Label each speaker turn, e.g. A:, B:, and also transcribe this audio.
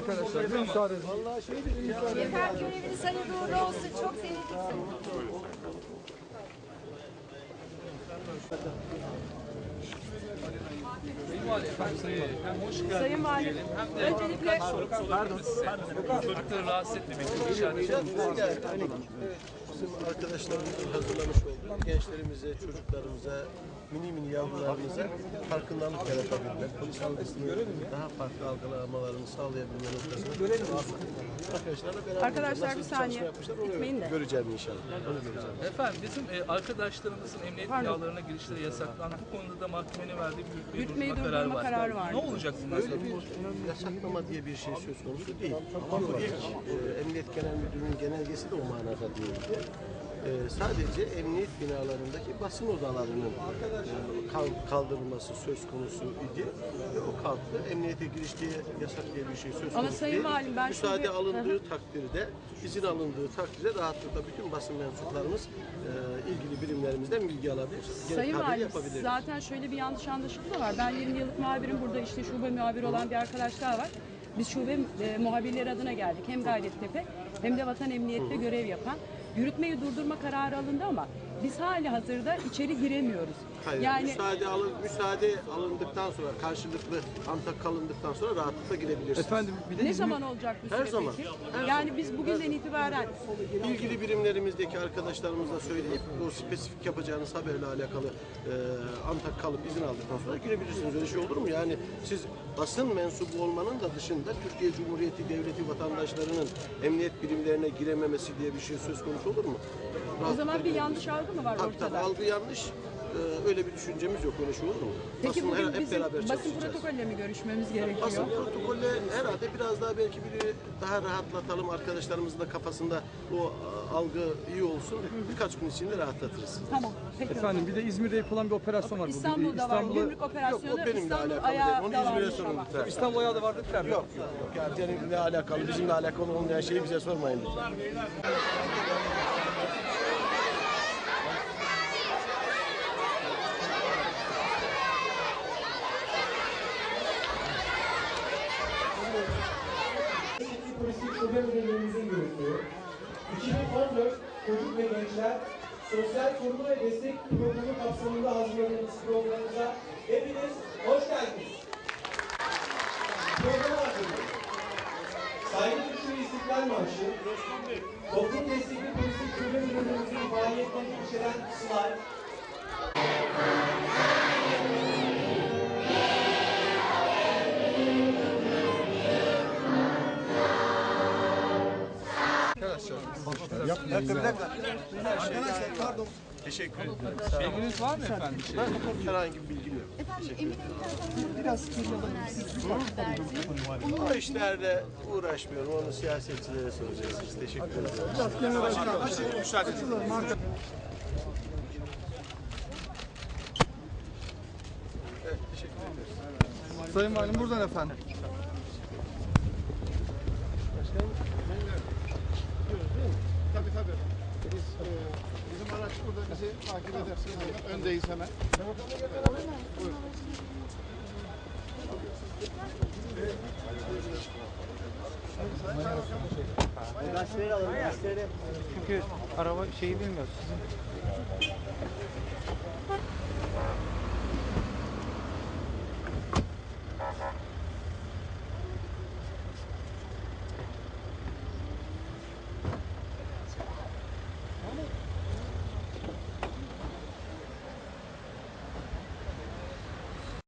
A: arkadaşlar. Bir müsaade edin.
B: Efendim göreviniz hayırlı uğurlu olsun. Çok sevindik.
C: Sayın Valim, öncelikle
D: rahatsız etmemek için
E: Bizim arkadaşlarımızın hazırlamış olduğu gençlerimize, çocuklarımıza, mini yavrularımıza farkındalık yaratabilmek, polis algısını daha farklı algılamalarını sağlayabilmek noktasında arkadaşlarla beraber
C: Arkadaşlar
E: nasıl
C: bir
E: çalışma
C: saniye
E: yapmışlar
C: gitmeyin de.
E: göreceğim inşallah. Onu göreceğim.
D: Efendim bizim arkadaşlarımızın emniyet binalarına girişleri yasaklandı. Bu konuda da mahkemenin verdiği bir
C: Yürütmeyi
D: durdurma
C: durdurma kararı
D: var.
C: var.
D: Ne olacak bundan sonra?
E: Öyle bir yasaklama diye bir şey söz konusu değil. Ama bu ilk Emniyet Genel Müdürlüğü'nün genelgesi de o manada değil. Sadece emniyet binalarındaki basın odalarının kaldırılması söz konusu idi. O kalktı. Emniyete giriş diye yasak diye bir şey söz konusu
C: Sayın
E: değil.
C: Valim, ben
E: müsaade
C: şunu-
E: alındığı takdirde, izin alındığı takdirde rahatlıkla bütün basın mensuplarımız ilgili birimlerimizden bilgi alabilir.
C: Sayın
E: Haber
C: Valim,
E: yapabilir.
C: zaten şöyle bir yanlış anlaşılma da var. Ben 20 yıllık muhabirim, burada işte şube muhabiri olan bir arkadaşlar var. Biz şube muhabirleri adına geldik. Hem Gayrettepe hem de Vatan Emniyet'te görev yapan. Yürütmeyi durdurma kararı alındı ama biz hali hazırda içeri giremiyoruz.
E: Hayır,
C: Yani
E: müsaade alındıktan sonra, karşılıklı antak kalındıktan sonra rahatlıkla girebilirsiniz.
A: Efendim bir de
C: ne zaman olacak bu süre
E: Her zaman,
C: peki?
E: her
C: Yani biz bugünden itibaren
E: İlgili birimlerimizdeki arkadaşlarımıza söyleyip o spesifik yapacağınız haberle alakalı antak kalıp izin aldıktan sonra girebilirsiniz. Öyle şey olur mu? Yani siz basın mensubu olmanın da dışında Türkiye Cumhuriyeti Devleti vatandaşlarının emniyet birimlerine girememesi diye bir şey söz konusu olur mu?
C: o zaman bir yanlış algı mı var
E: Tabii
C: ortada?
E: algı yanlış. Öyle bir düşüncemiz yok. Öyle şey olur mu?
C: Peki
E: Basınla
C: bugün
E: hep
C: bizim
E: beraber
C: basın
E: çalışacağız.
C: protokolle mi görüşmemiz gerekiyor?
E: Basın protokolle herhalde biraz daha belki daha rahatlatalım, arkadaşlarımızın da kafasında o algı iyi olsun. Birkaç gün içinde rahatlatırız.
C: Tamam. Peki.
A: efendim bir de İzmir'de yapılan bir operasyon var bugün.
C: İstanbul'da var. Gümrük
E: Yok,
C: operasyonu
E: o benimle
C: İstanbul
E: alakalı değil.
C: ayağı
E: Onu
C: da
E: İzmir'e
C: varmış
E: sorun
C: ama.
E: lütfen.
A: İstanbul ayağı da vardı dediler mi?
E: Yok. Yani seninle alakalı, bizimle alakalı olmayan şeyi bize sormayın lütfen.
F: Polislik Şube Müdürlüğümüzün yürüttüğü 2014 Çocuk ve Gençler Sosyal Koruma ve Destek Programı kapsamında hazırladığımız programımıza hepiniz hoş geldiniz. Programa hazırladık. Saygı Duruşu ve İstiklal Marşı, Toplum Destekli Polislik Şube Müdürlüğümüzün faaliyetlerini içeren slide,
E: Arkadaşlar pardon. Teşekkür ederim.
D: Bilginiz var mı efendim?
E: Herhangi bir bilgim yok. O işlerle uğraşmıyorum. Onu siyasetçilere soracağız. Teşekkür ederim.
D: Müsaade edin.
E: Evet, teşekkür ederim.
A: Sayın Valim buradan efendim.
G: Tabii tabii. Bizim araç burada bizi takip edersiniz. Öndeyiz hemen. Buyurun.
H: Gazeteleri alalım, gazeteleri. Çünkü araba şeyi bilmiyoruz.